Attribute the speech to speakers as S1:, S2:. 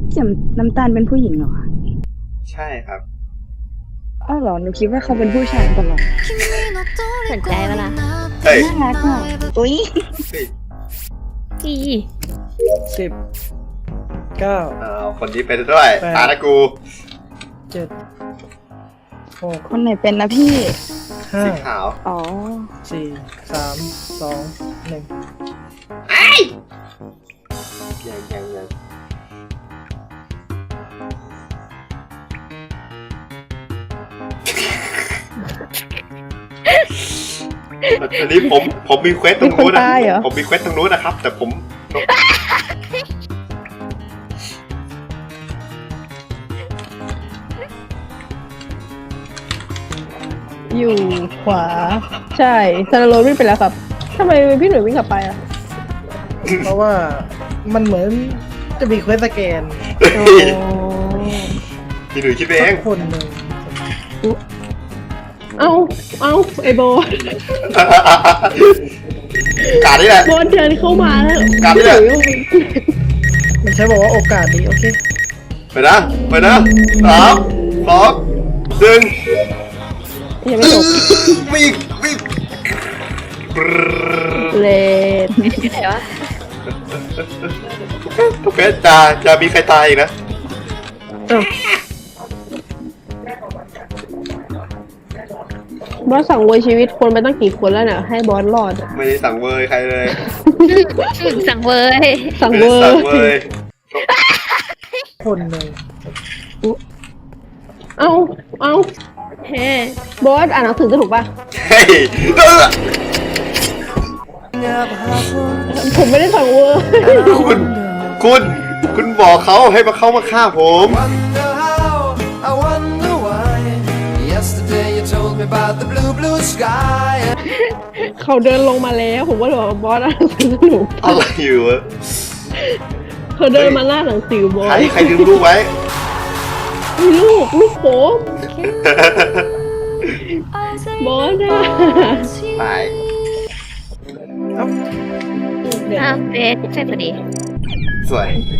S1: เขียมน้ำตาลเป็นผู้หญิงเหรอคะ
S2: ใช่ครับ
S1: อ้าวเหรอหนูคิดว่าเขาเป็นผู้ชายตลอด
S3: สนใจเวลา
S2: เฮ้ย
S1: น่ารักอ่ะอุ้ย
S2: เฮ้ย
S3: อี
S4: 10 9
S2: เอาคนนี้เป็นด้วย
S4: แปด
S2: ตาละกู
S4: 7 6
S1: คนไหนเป็นนะพี่
S2: สี
S4: 5
S2: ขาว
S1: อ๋อ
S4: 4 3 2 1
S2: ยังอันนี้ผมมีเควสตรงนู้นนะ
S1: มีคนตายเหรอ
S2: ผมมีเควสตรงนู้นนะครับ แต่ผม
S5: อยู่ขวา ใช่ซาราโรวิ่งไปแล้วครับทำไมพี่หนุ่ยวิ่งกลับไปอ่ะ
S4: เพราะว่ามันเหมือนจะมีเควสสแกน
S2: พี่หนุ่ยคิดไปเอง
S4: สักคนหนึ่ง
S5: เอาไอโบ
S2: การนี่แหละ
S5: โบเดินเข้ามาแล้ว
S2: กลับ
S5: พี่ห
S2: เนี่
S5: นุ่
S2: ย
S5: ย
S4: มันใช้บอกว่าโอกาสดีโอเค
S2: ไปนะ3 2 1
S5: ยังไม่จบ
S2: วิ่ง
S5: เลด
S3: ไหนวะ
S2: ทุกเควสจะมีใครตายอีกนะ
S5: บอสสั่งเวยชีวิตคนไปตั้งกี่คนแล้วเนี่ยให้บอสรอดอะ
S2: ไม่ได้สั่งเวยใครเลย
S3: สั่งเว้ย
S5: สั่ง
S2: ไม่
S5: เว
S2: ได้
S5: อ
S2: สั่ง
S5: ร์
S2: เวย
S4: คนหนึ่ง
S5: เอา
S3: เฮ้
S5: บอสอ่านหนังสือจะถูกป่ะ
S2: เฮ้ย
S5: ผมไม่ได้สั่งเวอร์
S2: คุณบอกเขาให้มาเข้ามาฆ่าผม
S6: Wonder how, I wonder why. Yesterday you told me about the blue sky.
S5: เขาเดินลงมาแล้วผมก็เลยบอกว่าบอสอ่านหนังสือจะถูก
S2: อะไรอยู่วะ
S5: เขาเดินมาหน้าหนังสือบอส
S2: ใครดึงลูกไว้
S5: มีลูกโป๊บอสอ่ะ
S2: ตาย
S4: เอ้า
S5: เดี๋ยว
S3: อ้าวเบสใช่พอดี
S2: สวย